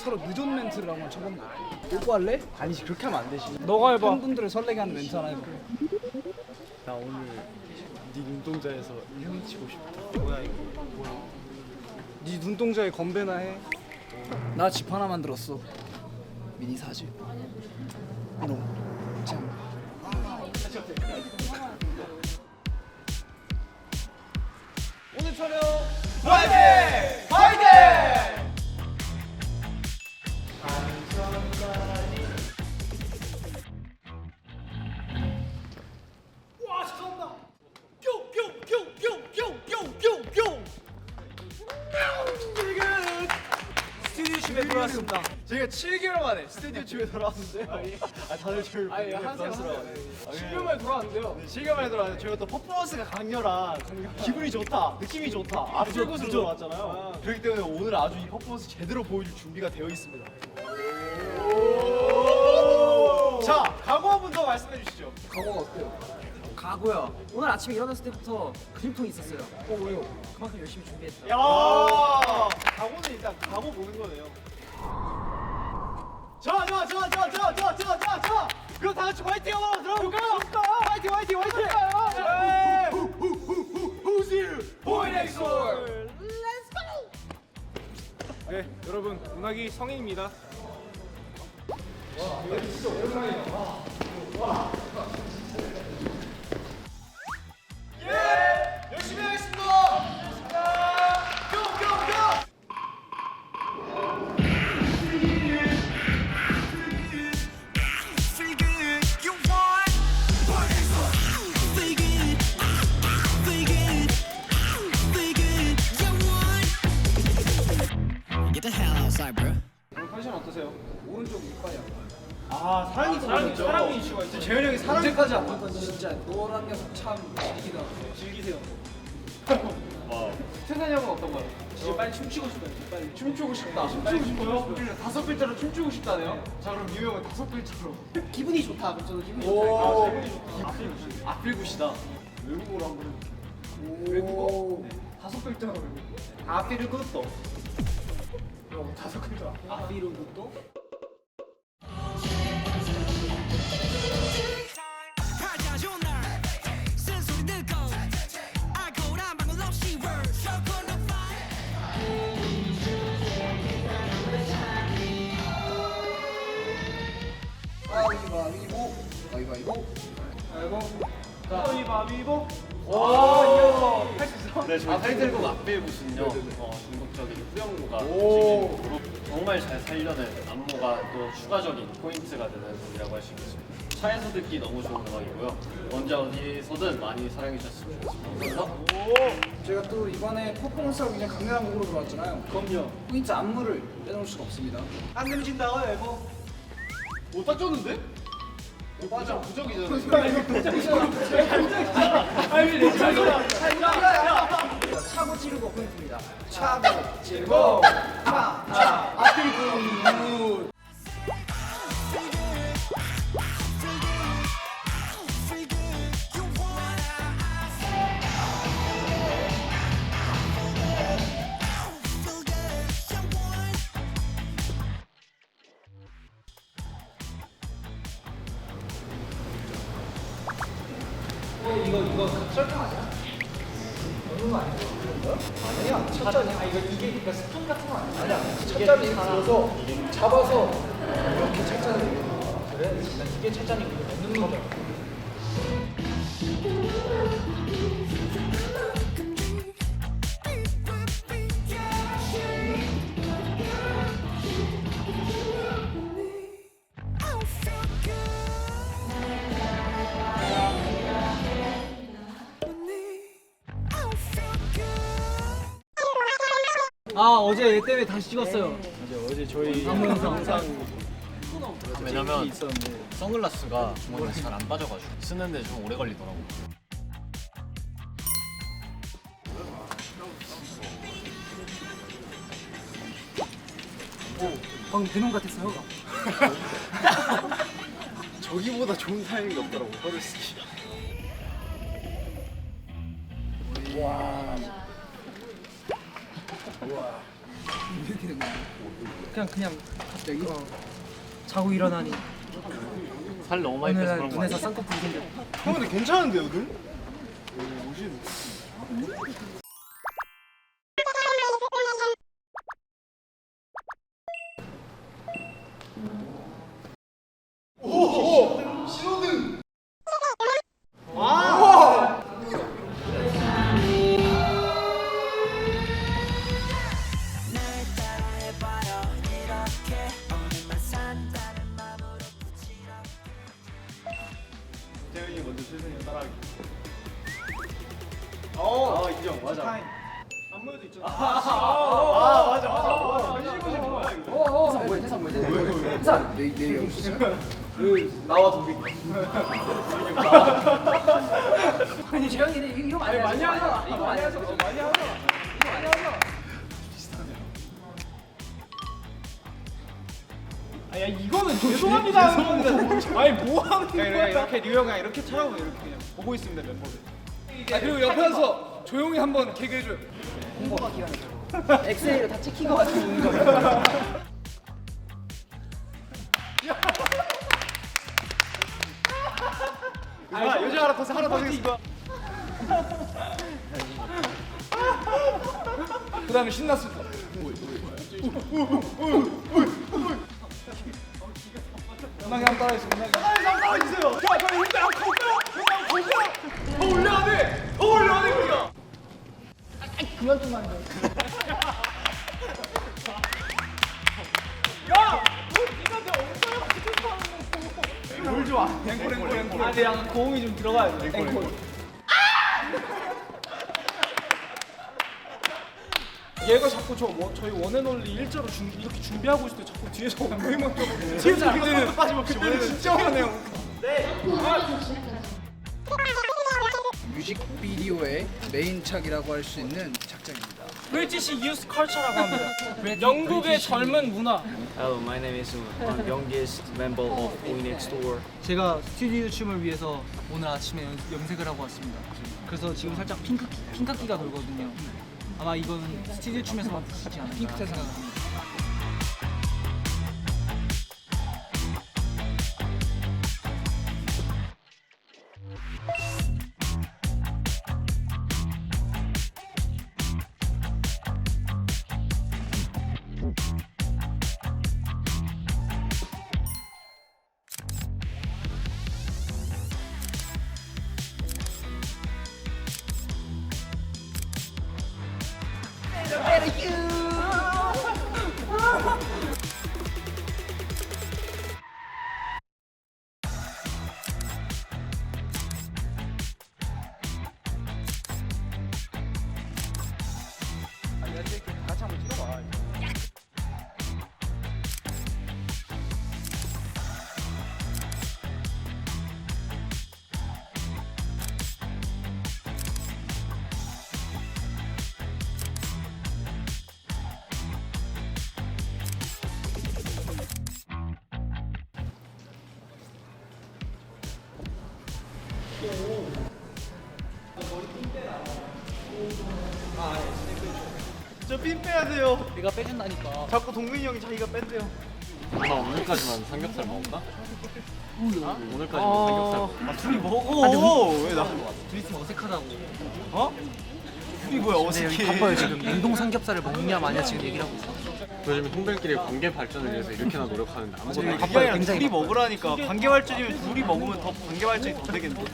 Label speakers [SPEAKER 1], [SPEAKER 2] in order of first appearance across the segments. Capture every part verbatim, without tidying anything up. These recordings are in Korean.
[SPEAKER 1] 서로 늦은 멘트를 한번 쳐보는 거 어때? 요거 할래?
[SPEAKER 2] 아니지 그렇게 하면 안 되지.
[SPEAKER 1] 너가 해봐. 팬분들을 설레게 하는 멘트 하나 해볼게.
[SPEAKER 2] 나 오늘 네 눈동자에서 헤엄치고 싶다. 뭐야 이거? 뭐야? 네 눈동자에 건배나 해.
[SPEAKER 1] 나 집 하나 만들었어. 미니 사집. 너 짱. 오늘 촬영
[SPEAKER 2] 화이팅! 화이팅!
[SPEAKER 1] 와 잠깐만. 뿅뿅뿅뿅뿅뿅뿅뿅.
[SPEAKER 2] 스튜디오 집에 돌아왔습니다. 저희가 칠 개월 만에 스튜디오 집에 돌아왔는데요. 아 다들 저를
[SPEAKER 1] 아니,
[SPEAKER 2] 보고
[SPEAKER 1] 하세요,
[SPEAKER 2] 부담스러워하네.
[SPEAKER 1] 칠 개월 만에 돌아왔는데요.
[SPEAKER 2] 네, 칠 개월 만에 돌아왔는데 저희가 또 퍼포먼스가 강렬한 기분이 좋다, 느낌이 좋다, 앞설 곳으로 돌아왔잖아요. 그렇기 때문에 오늘 아주 이 퍼포먼스 제대로 보여줄 준비가 되어 있습니다. 자, 각오 한 분 더 말씀해 주시죠.
[SPEAKER 1] 각오가 어때요?
[SPEAKER 3] 가고요. 오늘 아침에 일어났을 때부터 근육통이 있었어요.
[SPEAKER 1] 어 왜요?
[SPEAKER 3] 그만큼 열심히 준비했다.
[SPEAKER 2] 야, 각오는 일단 각오 보는 거네요. 자, 자, 자, 자, 자, 자, 자, 자, 자. 그럼 다 같이 화이팅 한번 들어볼까요? 화이팅, 화이팅, 화이팅. Who's here? Boy next door.
[SPEAKER 4] 네, 여러분 문학이 성인입니다.
[SPEAKER 2] 예, 열심히 하겠습니다. 뿅, 뿅, 뿅.
[SPEAKER 5] Get the hell outside, bro.
[SPEAKER 4] 오늘 컨디션 어떠세요?
[SPEAKER 1] 오른쪽 이빨이야.
[SPEAKER 2] 아, 사랑이
[SPEAKER 4] 사랑이
[SPEAKER 2] 있죠.
[SPEAKER 4] 사랑이 이슈가 있어요.
[SPEAKER 2] 재현이 형이 사랑.
[SPEAKER 1] 언제까지 아플 건지 진짜 너란 녀석 참 즐기다.
[SPEAKER 2] 즐기세요.
[SPEAKER 4] 태산이 형은 어떤 거요? 진짜 빨리 춤추고 싶어요. 빨리
[SPEAKER 2] 춤추고 싶다. 춤추고 싶어요? 다섯 글자로 춤추고 싶다네요. 자, 그럼 유 형은 다섯 글자로.
[SPEAKER 3] 기분이 좋다. 그럼 저도 기분이
[SPEAKER 2] 오.
[SPEAKER 3] 좋다.
[SPEAKER 2] 아필굿이다. 외국어로 한번. 외국어? 다섯 글자로 외국어. 아필을 굿도. 어, 다섯 글자.
[SPEAKER 3] 아비로 것도
[SPEAKER 1] 가위바위보. 가위바위보.
[SPEAKER 4] 가위바위보.
[SPEAKER 2] 오, 할수 있어?
[SPEAKER 6] 네, 저희 타이틀곡 앞빌굿은요 어, 중국적인 후렴구가 중심으로 정말 잘 살려낸 안무가 또 추가적인 포인트가 되는 곡이라고 할 수 있겠습니다. 차에서 듣기 너무 좋은 음악이고요. 언제 어디서든 많이 사랑해 주셨으면 좋겠습니다. 감사합니다.
[SPEAKER 1] 제가 또 이번에 퍼포먼스가 굉장히 강렬한 곡으로 들어왔잖아요.
[SPEAKER 2] 그럼요.
[SPEAKER 1] 포인트 안무를 빼놓을 수가 없습니다.
[SPEAKER 2] 안 내미진다, 에버. 못 닦였는데?
[SPEAKER 1] 맞아.
[SPEAKER 2] 부적이잖아.
[SPEAKER 3] 차고 찌르고 포인트입니다.
[SPEAKER 1] 차고 찌르고 차, 차, 아필 굿. 이거 이거 설탕 아니야? 넣는 거 아니야? 아니야. 첫잔이 아 이거 이게 그러니까 스푼 같은 거 아니야? 아니야. 첫잔을 이렇게 들어서 잡아서 이렇게 첫잔을 그래? 난 이게 첫잔이고 이거 넣는 거잖아.
[SPEAKER 3] 아 어제 얘 때문에 다시 찍었어요.
[SPEAKER 2] 맞아, 어제 저희
[SPEAKER 3] 안무 영상.
[SPEAKER 2] 항상
[SPEAKER 6] 왜냐면
[SPEAKER 2] 있었는데.
[SPEAKER 6] 선글라스가 주머니에 잘 안 빠져가지고 쓰는데 좀 오래 걸리더라고요.
[SPEAKER 3] 방금 대놈 같았어요.
[SPEAKER 2] 저기보다 좋은 타이밍이 없더라고, 허를 쓰기.
[SPEAKER 1] 와.
[SPEAKER 3] 어떻게 된 거야? 그냥 그냥 갑자기 어, 자고 일어나니
[SPEAKER 6] 살 너무 많이
[SPEAKER 3] 어느
[SPEAKER 6] 빼서
[SPEAKER 3] 날
[SPEAKER 6] 그런 거
[SPEAKER 3] 눈에서
[SPEAKER 6] 아니야?
[SPEAKER 3] 쌍꺼풀이 생겼.
[SPEAKER 2] 형 근데 괜찮은데요 눈? 태현이 먼저 최선이 따라하기. 어, 아, 인정 맞아. 안무에도 있잖아. 아, 맞아 맞아. 현실고시 뭐야 이거?
[SPEAKER 3] 해상 뭐야? 해상 뭐야? 해상 내 내일 없어.
[SPEAKER 2] 나와 도비.
[SPEAKER 3] 아니 재영이 이거 많이
[SPEAKER 4] 많이 하잖아.
[SPEAKER 3] 이거 많이 하죠.
[SPEAKER 4] 많이 하잖아.
[SPEAKER 3] 이거 많이 하죠.
[SPEAKER 4] 아, 야 이거는 죄송합니다. 아니 뭐 하는 거야? 이렇게 뉴욕 그냥 이렇게 차라고 이렇게 그냥 보고 있습니다 멤버들. 아 그리고 옆에서 조용히 한번 개그 해줘요.
[SPEAKER 3] 홍보가 기가 막혀. 엑스레이로 다 찍힌 거 같은 오는 거야.
[SPEAKER 2] 아, 요즘 하나 더 하나 더 생겼어.
[SPEAKER 4] 그다음에 신났습니다. 문학이 한번 따라해주세요. 문학이.
[SPEAKER 2] 아, 따라주세요. 야, 저 형들 안 커요. 형들 안 커요. 더 올려야 돼. 더 올려야 돼 우리가.
[SPEAKER 3] 그만 좀 하는 거야.
[SPEAKER 2] 야, 너 네가 내 엉덩이 뭘 좋아? 앵콜 앵콜 앵콜.
[SPEAKER 4] 아, 근데 약간 고음이 좀 들어가야 돼. 앵콜. 얘가 자꾸 저 뭐, 저희 원앤올리 일자로 준, 이렇게 준비하고 있을 때 자꾸 뒤에서 엉덩이만 껴고 뒤에서 그때는
[SPEAKER 2] 빠짐없이
[SPEAKER 4] 그때는 진짜 화내요.
[SPEAKER 1] 뮤직비디오의 메인착이라고 할 수 있는 착장입니다.
[SPEAKER 4] 브리티시 유스 컬처라고 합니다. 영국의 젊은 문화.
[SPEAKER 5] Hello, my name is I'm youngest member of Boy Next Door.
[SPEAKER 3] 제가 스튜디오 춤을 위해서 오늘 아침에 연, 염색을 하고 왔습니다. 그래서 지금 살짝 핑크 핑크기가 돌거든요. 아마 이거는 스튜디오 춤에서만 보시지 않을까 핑크색 생각합니다.
[SPEAKER 2] 저 핀 빼야 돼요.
[SPEAKER 3] 내가 빼준다니까.
[SPEAKER 2] 자꾸 동민이 형이 자기가 뺀대요.
[SPEAKER 6] 나 오늘까지만 삼겹살 먹을까? 오늘까지만
[SPEAKER 3] 아.
[SPEAKER 6] 삼겹살.
[SPEAKER 2] 아, 둘이 먹어. 왜 나?
[SPEAKER 3] 둘이 있으면 어색하다고.
[SPEAKER 2] 어? 둘이 뭐야
[SPEAKER 3] 근데 여기
[SPEAKER 2] 어색해.
[SPEAKER 3] 바빠요 지금. 냉동 삼겹살을 먹냐 마냐 지금 얘기를 하고 있어.
[SPEAKER 6] 요즘 형들끼리 관계 발전을 위해서 이렇게나 노력하는데 아무것도
[SPEAKER 3] 저희
[SPEAKER 6] 안
[SPEAKER 2] 그게
[SPEAKER 6] 해.
[SPEAKER 3] 바빠요,
[SPEAKER 2] 아니라
[SPEAKER 3] 굉장히
[SPEAKER 2] 둘이
[SPEAKER 3] 바빠요.
[SPEAKER 2] 먹으라니까. 관계 발전이면 둘이 먹으면 더 관계 발전이 더 되겠는데.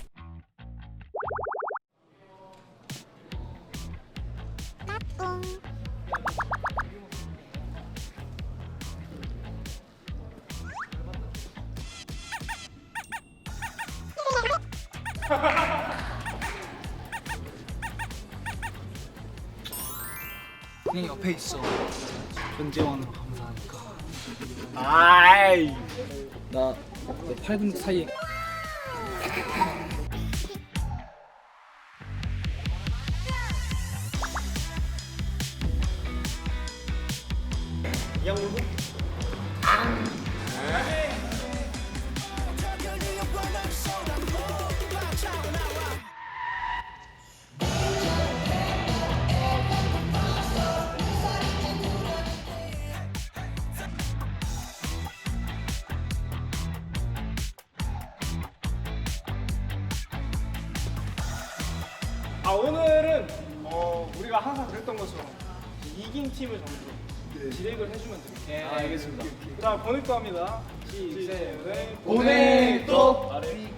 [SPEAKER 3] 그냥 옆에 있어. 존재만으로 감사하니까.
[SPEAKER 2] 아이.
[SPEAKER 3] 나 팔 분 사이에.
[SPEAKER 4] 아 오늘은 어 우리가 항상 그랬던 것처럼 이긴 팀을 점수 디렉을 해주면 됩니다.
[SPEAKER 3] 예, 알겠습니다.
[SPEAKER 4] 자 보넥도 합니다. 시작.
[SPEAKER 3] 보넥도.
[SPEAKER 4] 아래.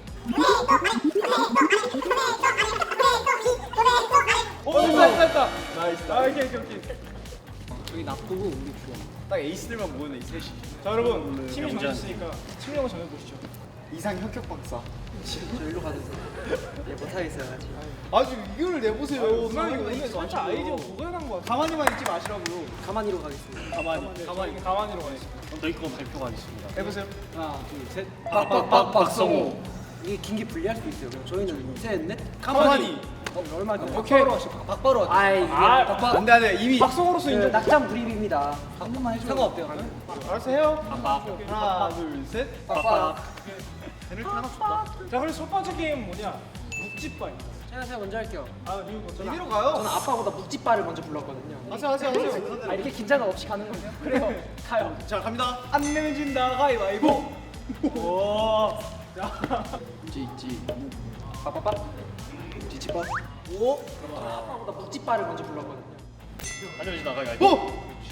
[SPEAKER 4] 오 됐다 됐다. 나이스. 아 오케이 오케이 오케이.
[SPEAKER 3] 저기 나쁘고 우리 좋아.
[SPEAKER 2] 딱 에이스들만 모였네 이 셋이.
[SPEAKER 4] 자 여러분 팀이 정해졌으니까 팀명을 정해보시죠.
[SPEAKER 2] 이상 혁혁 박사.
[SPEAKER 3] 저 일로 가주세요. 예, 못하겠어요 아직.
[SPEAKER 2] 아주 이거를 내보세요.
[SPEAKER 4] 오늘 이거 오늘 살짝 아이디어 고연한 것 같아.
[SPEAKER 2] 가만히만 있지 마시라고요.
[SPEAKER 3] 가만히로 가겠습니다.
[SPEAKER 4] 가만히 가만히 가만히로 가겠습니다.
[SPEAKER 6] 그럼 저희 거 발표하겠습니다.
[SPEAKER 2] 해보세요.
[SPEAKER 3] 하나, 둘, 셋.
[SPEAKER 2] 빡빡빡 박성호.
[SPEAKER 3] 이게 긴게 불리할 수도 있어요. 그럼 저희는 셋, 넷.
[SPEAKER 2] 가만히.
[SPEAKER 3] 어, 얼마 전
[SPEAKER 4] 오케이.
[SPEAKER 3] 박바로 왔죠. 아이,
[SPEAKER 4] 아,
[SPEAKER 3] 박바.
[SPEAKER 2] 안돼 안돼 이미.
[SPEAKER 4] 박성호로서 인정.
[SPEAKER 3] 낙장 불입입니다. 한 번만 해줘요. 상관없대요.
[SPEAKER 4] 알았어 해요.
[SPEAKER 2] 하나 둘 셋.
[SPEAKER 3] 빡빡.
[SPEAKER 2] 페널티 하나 줬다.
[SPEAKER 4] 자 그래서 첫 번째 게임 뭐냐? 묵찌빠입니다.
[SPEAKER 3] 제가 제가 먼저 할게요.
[SPEAKER 4] 아 리우 먼저.
[SPEAKER 2] 이리로
[SPEAKER 3] 저는
[SPEAKER 2] 가요.
[SPEAKER 3] 아빠보다 묵찌빠를 먼저 불렀거든요.
[SPEAKER 2] 하세요 하세요 하세요.
[SPEAKER 3] 아 이렇게 긴장감 없이 가는 거예요? 그래요. 가요.
[SPEAKER 2] 자 갑니다.
[SPEAKER 4] 안 내면 진다 가위바위보. 오. 자.
[SPEAKER 3] 있지 있지. 빠빠빠. 지치빠. 오. 아빠보다 묵찌빠를 먼저 불렀거든요.
[SPEAKER 6] 안녕히 나가요.
[SPEAKER 2] 오.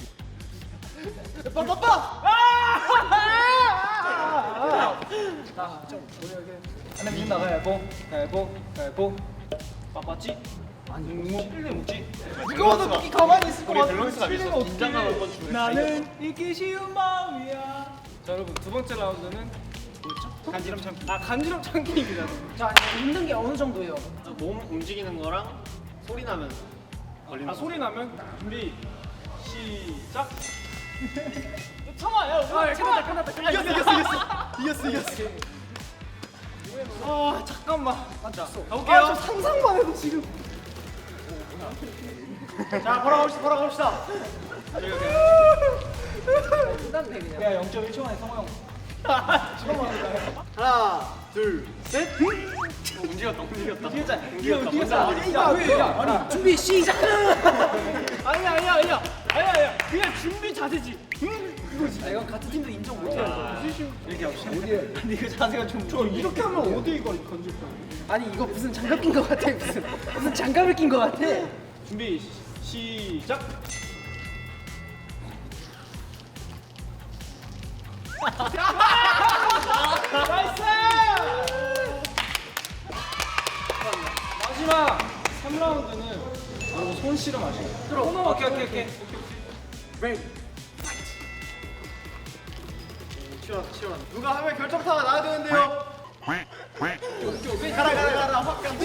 [SPEAKER 2] 빠빠빠.
[SPEAKER 4] 안내 문 나가야 보. 가위보. 가위보. 빠빠찌. 아니 묵묵. 일레 묵찌.
[SPEAKER 2] 이거는 묵기 가만히 있을 것
[SPEAKER 6] 우리
[SPEAKER 2] 같아.
[SPEAKER 6] 밸런스가 있어. 긴장감 한번 주는.
[SPEAKER 4] 나는 잊기 쉬운 마음이야. 자 여러분 두 번째 라운드는 뭐였죠? 간지럼 참기. 아 간지럼 참기입니다.
[SPEAKER 3] 자 웃는 게 어느 정도예요?
[SPEAKER 6] 몸 움직이는 거랑 소리 나면 걸리는
[SPEAKER 4] 아
[SPEAKER 6] 거.
[SPEAKER 4] 소리 나면 준비 시작. 참아요. 아 참아. 끝났다 끝났다.
[SPEAKER 2] 이겼어 이겼어 이겼어. 이겼어 이겼어.
[SPEAKER 4] 아 잠깐만. 자
[SPEAKER 2] 가볼게요.
[SPEAKER 4] 아, 저 상상만 해도 지금. 자 걸어갑시다 걸어갑시다.
[SPEAKER 3] 끝났네 그냥.
[SPEAKER 4] 야 영 점 일 초 만에 성호 형.
[SPEAKER 2] 하나 둘 셋.
[SPEAKER 6] 움직였다 움직였다.
[SPEAKER 4] 뛰자
[SPEAKER 6] 움직였다.
[SPEAKER 4] 뛰자.
[SPEAKER 6] 먼저.
[SPEAKER 4] 아니 왜? 아니
[SPEAKER 3] 준비 시작.
[SPEAKER 4] 아니야 아니야 아니야 아니야 아니야 그냥 준비 자세지.
[SPEAKER 3] 아, 이건 같은 팀도 인정 못해요.
[SPEAKER 4] 이렇게 합시다. 어디에?
[SPEAKER 3] 근데 이거 자세가 좀.
[SPEAKER 4] 저 이렇게 하면 어디 이걸 건질 거야?
[SPEAKER 3] 아니 이거 무슨 장갑 낀 거 같아 무슨 무슨 장갑을 낀 거 같아.
[SPEAKER 4] 준비 시- 시작. 나이스! 마지막 삼 라운드는 여러분 손 실험하시고.
[SPEAKER 3] 들어.
[SPEAKER 4] 오케이 오케이 오케이.
[SPEAKER 3] 브레이크.
[SPEAKER 2] 시원 시원. 누가 하면 결정타가 나야 되는데요. 가라 가라 가라 확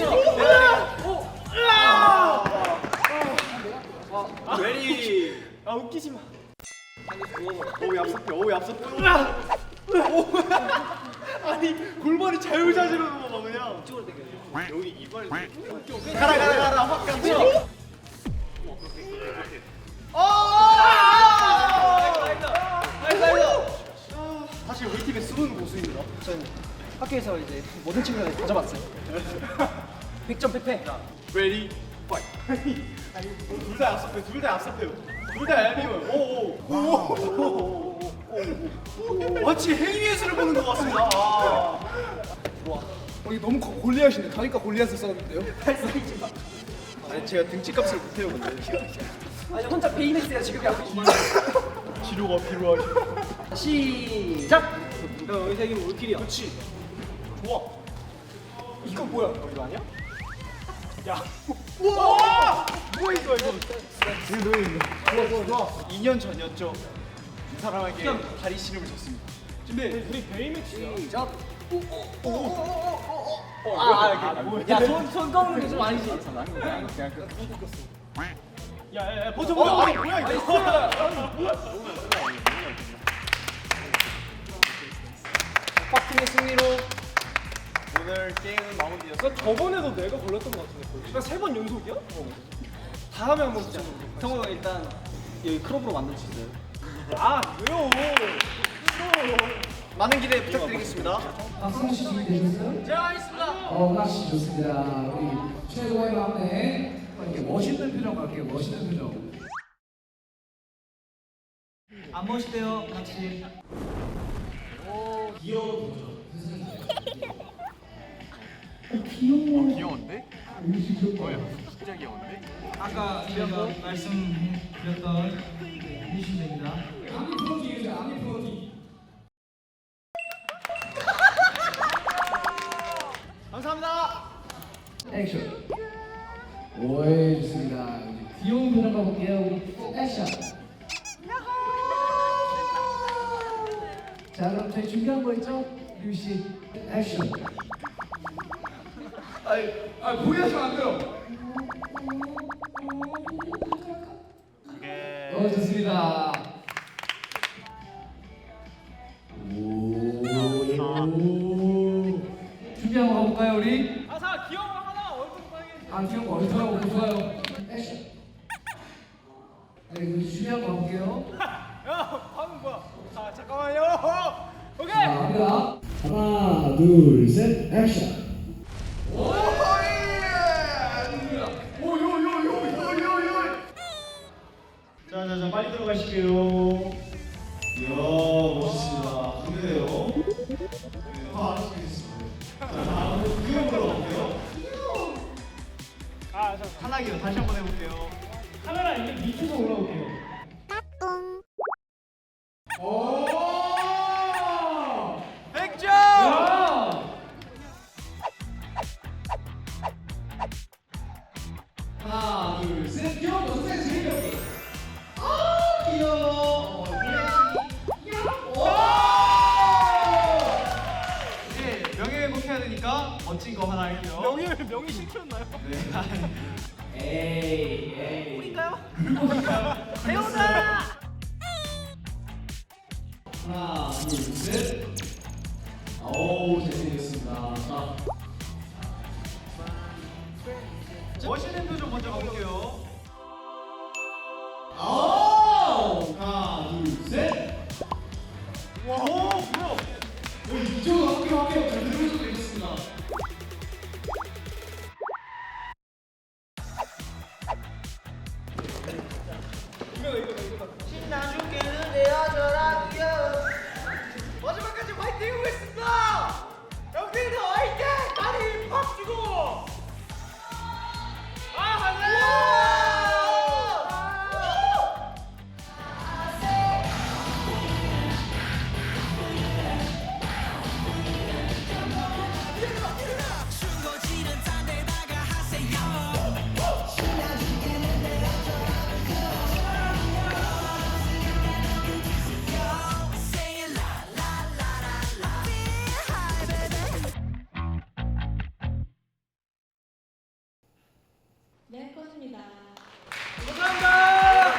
[SPEAKER 2] 가. 레디.
[SPEAKER 4] 아 웃기지 마.
[SPEAKER 2] 오우 얍삽해 오우 얍삽해. 아니 골반이 자유자재로 넘어가 그냥. 여기 이발. 가라 가라 가라 확 가. 사실 우리 팀의 숨은 고수입니다.
[SPEAKER 3] 전 학교에서 이제 모든 친구들 다 잡았어요. 백 점 패패.
[SPEAKER 2] 레디 파이트. 둘다 얍삽해 둘다 얍삽해요. 둘다 얄미워요. 오오오오오오오. 마치 행위예술을 보는 것 같습니다. 아.
[SPEAKER 1] 어, 이거 너무 고- 골리앗이네. 가니까 골리앗을 썼는데요.
[SPEAKER 2] 아니 제가 등치값을 못해요 근데.
[SPEAKER 3] 아니 혼자 베이맥스야 지금 야.
[SPEAKER 2] 치료가 필요하시.
[SPEAKER 3] 시작.
[SPEAKER 4] 야 여기서 이기면 올킬이야.
[SPEAKER 2] 그렇지. 좋아.
[SPEAKER 4] 이거 뭐야? 어, 이거 아니야? 야.
[SPEAKER 2] 우와! 뭐야 이거 이거. 좋아 좋아 좋아. 이 년 전이었죠. 이 사람에게 다리 씨름을 줬습니다.
[SPEAKER 4] 준비. 우리 베이맥스야.
[SPEAKER 3] 시작.
[SPEAKER 4] 아, 아, 뭐야?
[SPEAKER 3] 야손손 꺼는 게 좀 아니지.
[SPEAKER 4] 야야야 버텨 버텨.
[SPEAKER 2] 아 뭐야 이거.
[SPEAKER 3] 박팀의 승리로.
[SPEAKER 2] 오늘 게임은 마무리였어.
[SPEAKER 4] 나 저번에도 내가 걸렸던 것 같은데. 나 세 번 연속이야? 어. 다음에 한번 붙자.
[SPEAKER 3] 성호가 일단 여기 크롭으로 만들 수 있어요.
[SPEAKER 4] 아 왜요?
[SPEAKER 2] 많은 기대 부탁드리겠습니다.
[SPEAKER 7] 박성씨 준비되셨어요?
[SPEAKER 3] 제가 하겠습니다.
[SPEAKER 7] 어, 낚시 좋습니다. 우리 최고의 막내 이렇게 멋있는 표정 갈게요. 멋있는 표정.
[SPEAKER 3] 안 멋있대요, 낚시.
[SPEAKER 7] 귀여워.
[SPEAKER 2] 귀여운데?
[SPEAKER 7] 음식 좋다.
[SPEAKER 5] 깜짝이었는데?
[SPEAKER 3] 아까 저희가 말씀드렸던 해주시면 됩니다.
[SPEAKER 7] 아미 프로기 해주세요. 아미 프로기.
[SPEAKER 2] 감사합니다.
[SPEAKER 7] 액션. 오이 좋습니다. 이제 귀여운 표정 가볼게요. 우리 액션. 자 그럼 저희 준비한 거 있죠? 류 씨. 액션.
[SPEAKER 1] 아니, 아 포기하시면 안 돼요.
[SPEAKER 7] 어 좋습니다. 오. 준비 한번 가볼까요 우리?
[SPEAKER 4] 아사 귀여운 거 하나 얼굴
[SPEAKER 7] 아 귀여운 거 얼마나 좋아요. 액션. 네 그럼 준비한 거 가볼게요.
[SPEAKER 4] 야 방금 뭐야? 아 잠깐만요. 오케이.
[SPEAKER 7] 자 갑니다. 하나 둘 셋 액션.
[SPEAKER 2] 자자자 빨리 들어가실게요. 이야 멋있습니다. 그래요. 아 알겠습니다. 자 다음은 구경으로 갈게요.
[SPEAKER 4] 아 잠깐.
[SPEAKER 2] 하나기로 다시 한번 해볼게요.
[SPEAKER 4] 카메라 이제 밑으로 올라올게요.
[SPEAKER 2] 오!
[SPEAKER 4] 백 점.
[SPEAKER 7] 하나 둘 셋. 귀여운 거 선생님 재미없게. 아 귀여워. 어,
[SPEAKER 2] 이제 명예회복해야 되니까 멋진 거 하나 할게요.
[SPEAKER 4] 명의 명의 실패였나요?
[SPEAKER 7] 에이 에이.
[SPEAKER 4] 우리인가요?
[SPEAKER 7] 배우자. 하나 둘 셋. 어우 잘생겼습니다. 자.
[SPEAKER 2] 멋있는 표정 먼저 가볼게요.
[SPEAKER 7] 아우 하나 둘 셋.
[SPEAKER 2] 와, 오, 뭐야?
[SPEAKER 7] 오 이쪽으로 할게요 할게요. 잘 들어오셔도 되겠습니다.
[SPEAKER 4] 신나죽게는 내어져라 귀여워. 마지막까지 화이팅 해보겠습니다. 여기는 화이팅! 다리 팍 주고. 아 하나.
[SPEAKER 8] 네, 꺼집니다.
[SPEAKER 4] 감사합니다.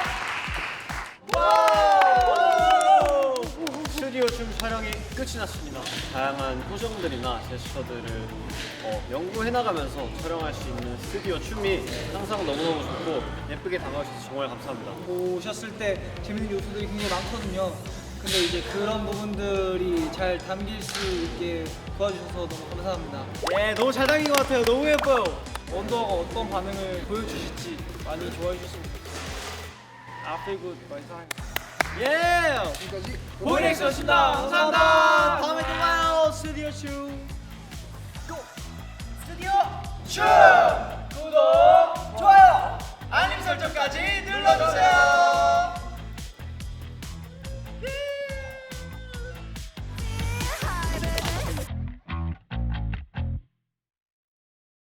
[SPEAKER 6] 스튜디오 춤 촬영이 끝이 났습니다. 다양한 표정들이나 제스처들을 어, 연구해 나가면서 촬영할 수 있는 스튜디오 춤이 항상 너무너무 좋고 예쁘게 다가와주셔서 정말 감사합니다.
[SPEAKER 3] 보셨을 때 재밌는 요소들이 굉장히 많거든요. 근데 이제 그런 부분들이 잘 담길 수 있게 도와주셔서 너무 감사합니다.
[SPEAKER 4] 예, 너무 잘 당긴 것 같아요. 너무 예뻐요. 원더가 어떤 반응을 보여주실지 많이 좋아해 주셨으면 좋겠어요. I feel good. 많이 사랑해요. 예!
[SPEAKER 1] 지금까지
[SPEAKER 4] 보이넥스였습니다. 감사합니다. 다음에 또 봐요. 스튜디오 춤. 고! 스튜디오 춤! 구독, 좋아요, 알림 설정까지 눌러주세요.